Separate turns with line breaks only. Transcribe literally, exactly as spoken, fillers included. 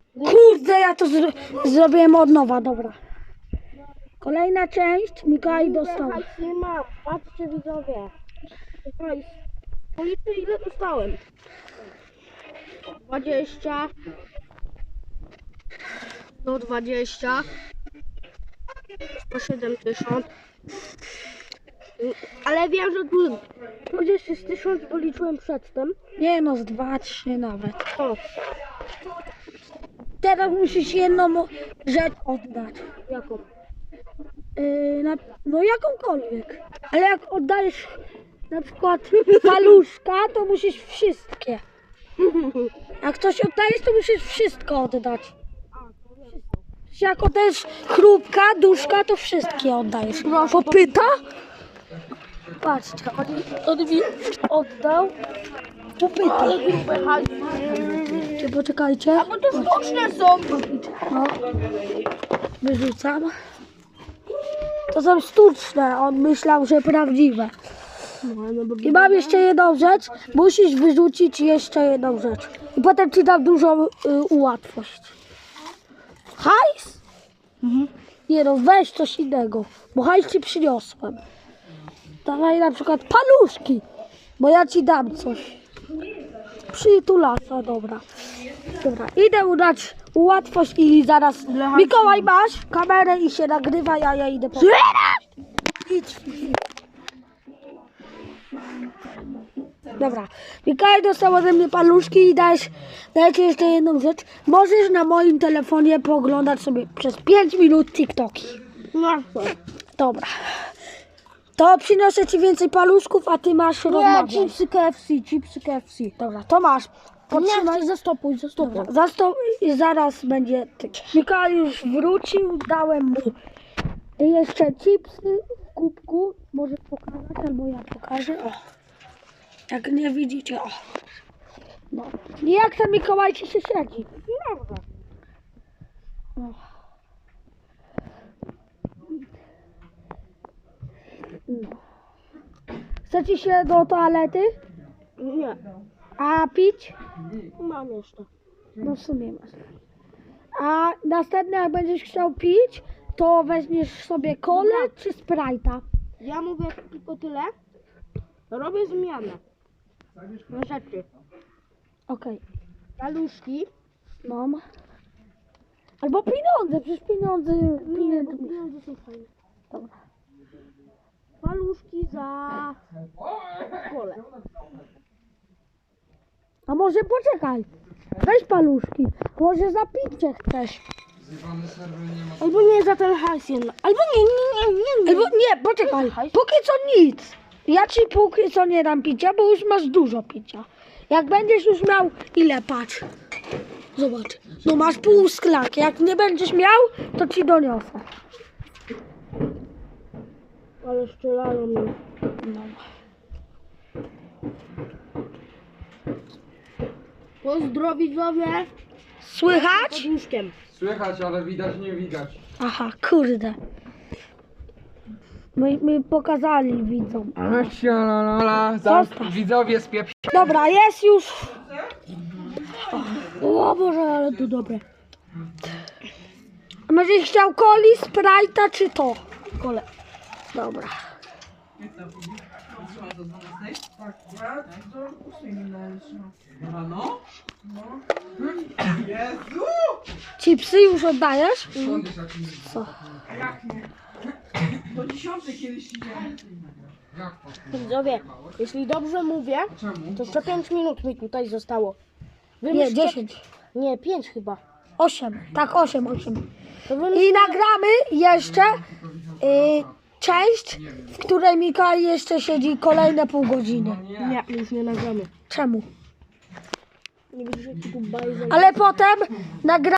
Kurde, ja to zro zrobiłem od nowa, dobra. Kolejna część, Mikołaj dostał.
Hajs nie mam, patrzcie widzowie. Hajs. Policzę ile dostałem. dwadzieścia. Do dwadzieścia. sto siedemdziesiąt. Ale wiem, że tu dwadzieścia z tysiąc, bo liczyłem przedtem.
Nie no, z dwa, trzy nawet.
O,
Teraz musisz jedną rzecz oddać.
jaką?
Yy, na, no jakąkolwiek. Ale jak oddajesz na przykład paluszka, to musisz wszystkie. Jak coś oddajesz, to musisz wszystko oddać. Jak oddajesz chrupka, duszka, to wszystkie oddajesz. Popyta? Patrzcie, on, on mi oddał popyta.
Ale grube hajsy.
Czy poczekajcie.
Bo to sztuczne są.
No. Wyrzucam. To są sztuczne, on myślał, że prawdziwe. I mam jeszcze jedną rzecz. Musisz wyrzucić jeszcze jedną rzecz. I potem ci dam dużą y, ułatwość. Hajs?
Mhm.
Nie no, weź coś innego, bo hajs ci przyniosłem. Dawaj na przykład paluszki, bo ja ci dam coś. Przytulasa, dobra. Dobra, idę udać ułatwość i zaraz... Mikołaj, masz kamerę i się nagrywa, ja, ja idę po... Idź. Dobra, Mikołaj dostał ode mnie paluszki i dajesz, dajcie jeszcze jedną rzecz. Możesz na moim telefonie pooglądać sobie przez pięć minut TikToki.
No co?
Dobra. To przynoszę ci więcej paluszków, a ty masz
Nie,
rozmawiać.
chipsy K F C, chipsy K F C.
Dobra, to masz.
Potrzymaj, zastopuj, zastopuj.
Dobra, zastąp i zaraz będzie ty. Mikołaj już wrócił, dałem mu jeszcze chipsy w kubku. Może pokazać, albo ja pokażę. O. Jak nie widzicie, o. No. I jak ten Mikołaj ci się siedzi?
Dobra.
No. No. Chcecie się do toalety?
Nie,
A pić?
mam jeszcze.
No w sumie masz. A następnie jak będziesz chciał pić, to weźmiesz sobie kolę czy Sprite'a.
Ja mówię tylko tyle. Robię zmianę. Na rzeczy.
Okej,
Paluszki.
mam. Albo pieniądze, przecież pieniądze...
Nie,
pieniądze.
bo pieniądze są fajne.
Dobra.
Paluszki za kolę.
A może poczekaj, weź paluszki, może za picie chcesz.
Albo nie za ten hajs jedno. Albo nie, nie, nie, nie.
Albo nie, poczekaj, póki co nic. Ja ci póki co nie dam picia, bo już masz dużo picia. Jak będziesz już miał, ile patrz. Zobacz, no masz pół szklanki, jak nie będziesz miał, to ci doniosę.
Ale strzelają mi.
No.
Pozdro widzowie.
Słychać?
Pod łóżkiem.
Słychać, ale widać nie widać.
Aha, kurde. My, my pokazali widzom.
Sialala,
Zostaw.
widzowie spieprz...
Dobra, jest już.
O Boże, ale to dobre.
A Będziesz chciał coli, Sprite'a czy to?
Kole.
Dobra.
No? Jezu!
Chipsy już oddajesz? Co?
Do dziesiątej kiedyś idziemy. Jak to?
Widzowie, jeśli dobrze mówię,
Czemu?
to jeszcze pięć minut mi tutaj zostało. Wy
Nie,
myślcie-
dziesięć.
Nie, pięć chyba.
Osiem. Tak, osiem, osiem.
To wy
I
myślcie-
nagramy jeszcze y, część, w której Mikołaj jeszcze siedzi kolejne pół godziny.
Nie, już nie nagramy.
Czemu?
Nie widzisz jaki tu bajzel.
Ale potem nagramy.